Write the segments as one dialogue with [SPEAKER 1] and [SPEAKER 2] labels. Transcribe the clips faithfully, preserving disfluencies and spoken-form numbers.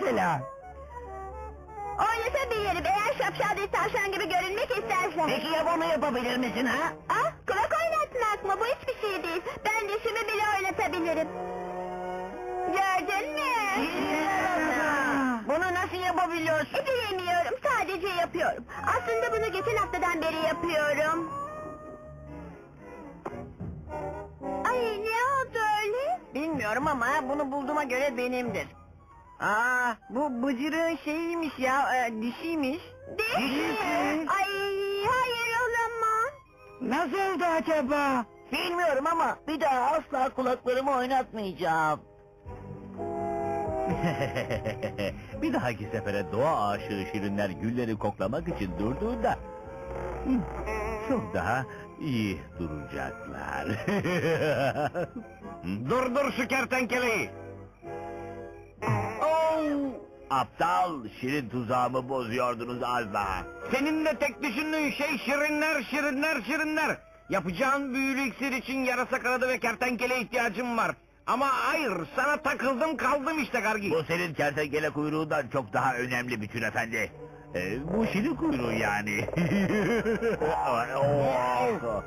[SPEAKER 1] mesela?
[SPEAKER 2] Oynatabilirim eğer şapşal bir tavşan gibi görünmek istersen.
[SPEAKER 1] Peki ya bunu yapabilir misin ha?
[SPEAKER 2] Ah, kulak oynatmak mı? Bu hiçbir şey değil. Ben dişimi bile oynatabilirim. Gördün mü?
[SPEAKER 1] Bunu nasıl yapabiliyorsun?
[SPEAKER 2] E, bilemiyorum, sadece yapıyorum. Aslında bunu geçen haftadan beri yapıyorum. Ay, ne oldu öyle?
[SPEAKER 1] Bilmiyorum ama bunu bulduğuma göre benimdir. Aa, bu bıcırığın şeyiymiş ya, e, dişiymiş.
[SPEAKER 2] Diş mi? Ay, hayır olamaz.
[SPEAKER 1] Nasıl oldu acaba? Bilmiyorum ama bir daha asla kulaklarımı oynatmayacağım.
[SPEAKER 3] Bir dahaki sefere doğa aşığı şirinler gülleri koklamak için durduğunda hı, çok daha iyi duracaklar.
[SPEAKER 4] Durdur şu kertenkeleyi.
[SPEAKER 3] Oh! Aptal, şirin tuzağımı bozuyordunuz az daha.
[SPEAKER 4] Senin de tek düşündüğün şey şirinler, şirinler, şirinler. Yapacağın büyülü iksir için yarasa kanadı ve kertenkele ihtiyacım var. Ama hayır, sana takıldım kaldım işte Gargi.
[SPEAKER 3] Bu senin kertenkele kuyruğundan çok daha önemli bütün efendi. Ee, bu şirin kuyruğu yani. Oh!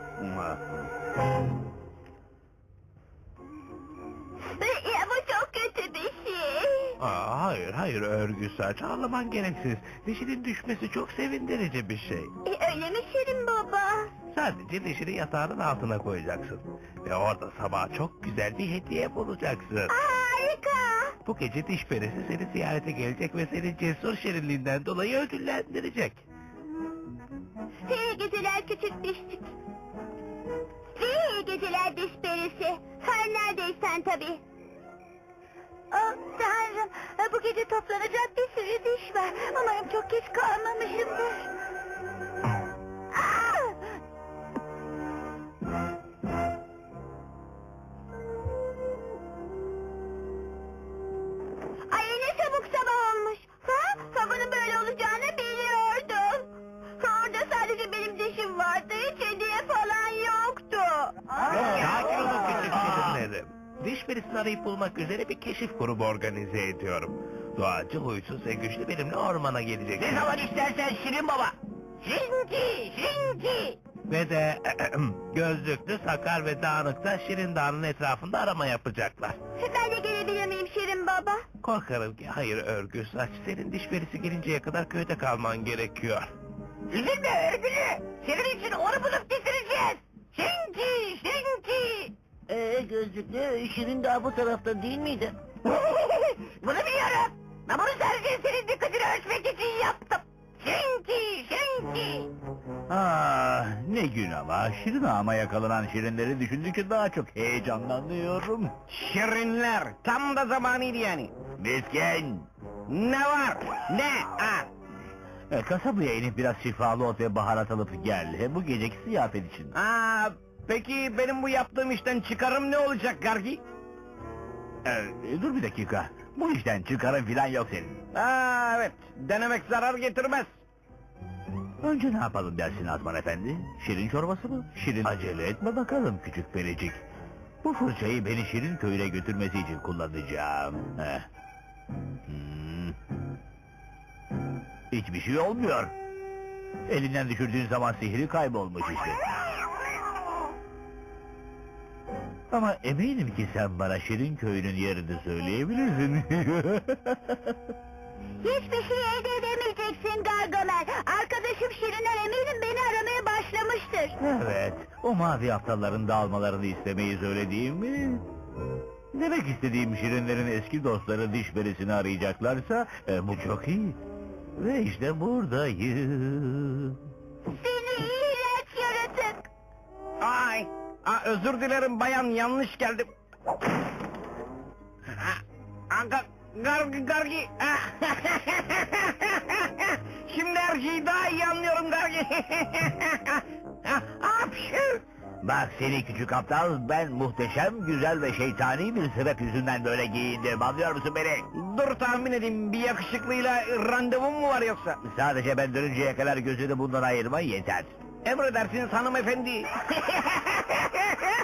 [SPEAKER 2] Ya bu çok kötü bir şey.
[SPEAKER 3] Aa, hayır hayır örgü saç ağlaman gereksiz. Dişinin düşmesi çok sevindirici bir şey.
[SPEAKER 2] E, öyle mi Şirin baba?
[SPEAKER 3] Sadece dişini yatağının altına koyacaksın. Ve orada sabah çok güzel bir hediye bulacaksın.
[SPEAKER 2] Harika.
[SPEAKER 3] Bu gece diş perisi seni ziyarete gelecek ve seni cesur şirinliğinden dolayı ödüllendirecek.
[SPEAKER 2] İyi geceler küçük dişçik. İyi geceler diş perisi. Her neredeysen tabii. Oh tanrım, bu gece toplanacak bir sürü diş var. Umarım çok geç kalmamışımdır. Ah! Ay ne çabuk sabah olmuş. Ha? Sabahın böyle olacağını biliyordum. Orada sadece benim dişim vardı, hiç hediye falan yoktu.
[SPEAKER 3] Sakin olun küçük şirinlerim. Diş perisini arayıp bulmak üzere bir keşif grubu organize ediyorum. Doğacı, huysuz ve güçlü benimle ormana gelecek.
[SPEAKER 1] Ne zaman istersen Şirin baba. Şirinki, Şirinki.
[SPEAKER 3] Ve de gözlüklü, sakar ve dağınık da Şirin Dağı'nın etrafında arama yapacaklar.
[SPEAKER 2] Ben de gelebilir miyim Şirin baba?
[SPEAKER 3] Korkarım ki hayır örgü saç, senin diş perisi gelinceye kadar köyde kalman gerekiyor.
[SPEAKER 1] Üzülme örgülü. Senin için onu bulup getireceğiz. Şirinki, Şirinki. Ee gözlüklü Şirin daha bu tarafta değil miydi? Bunu biliyorum. Ben bunu sadece senin dikkatini ölçmek için yaptım. Şirinki, Şirinki.
[SPEAKER 3] Ah ne gün ama Şirin Ağa'ma yakalanan şirinleri düşündükçe daha çok heyecanlanıyorum.
[SPEAKER 4] Şirinler, tam da zamanıydı yani.
[SPEAKER 3] Miskin!
[SPEAKER 4] Ne var? Ne? Ha?
[SPEAKER 3] E, kasabaya inip biraz şifalı ot ve baharat alıp gel. He, bu geceki ziyafet için.
[SPEAKER 4] Aa, peki benim bu yaptığım işten çıkarım ne olacak Gargi?
[SPEAKER 3] E, dur bir dakika. Bu işten çıkarın filan yok senin.
[SPEAKER 4] Aa, evet, denemek zarar getirmez.
[SPEAKER 3] Önce ne yapalım dersin Azman Efendi? Şirin çorbası mı? Şirin acele etme bakalım küçük pericik. Bu fırçayı beni Şirin köyüne götürmesi için kullanacağım. Heh. Hmm. Hiçbir şey olmuyor. Elinden düşürdüğün zaman sihri kaybolmuş işte. Ama eminim ki sen bana Şirin köyünün yerini söyleyebilirsin.
[SPEAKER 2] Hiçbir şey elde edemeyeceksin Gargamel. Arkadaşım Şirinler eminim beni aramaya başlamıştır.
[SPEAKER 3] Evet, o mavi aptalların dağılmalarını istemeyi söylediğim mi? Demek istediğim Şirinlerin eski dostları diş perisini arayacaklarsa e, bu çok iyi. Ve işte buradayım.
[SPEAKER 2] Seni iğrenç yaratık.
[SPEAKER 4] Ay, aa, özür dilerim bayan, yanlış geldim. Aa, gar, gargi, gargi. Şimdi her şeyi daha iyi anlıyorum Gargi. Apşu.
[SPEAKER 3] Bak seni küçük aptal, ben muhteşem, güzel ve şeytani bir sebep yüzünden böyle giyindim, anlıyor musun beni?
[SPEAKER 4] Dur tahmin edeyim, bir yakışıklıyla randevum mu var yoksa?
[SPEAKER 3] Sadece ben dönünceye kadar gözünü bundan ayırma yeter.
[SPEAKER 4] Emredersiniz hanımefendi.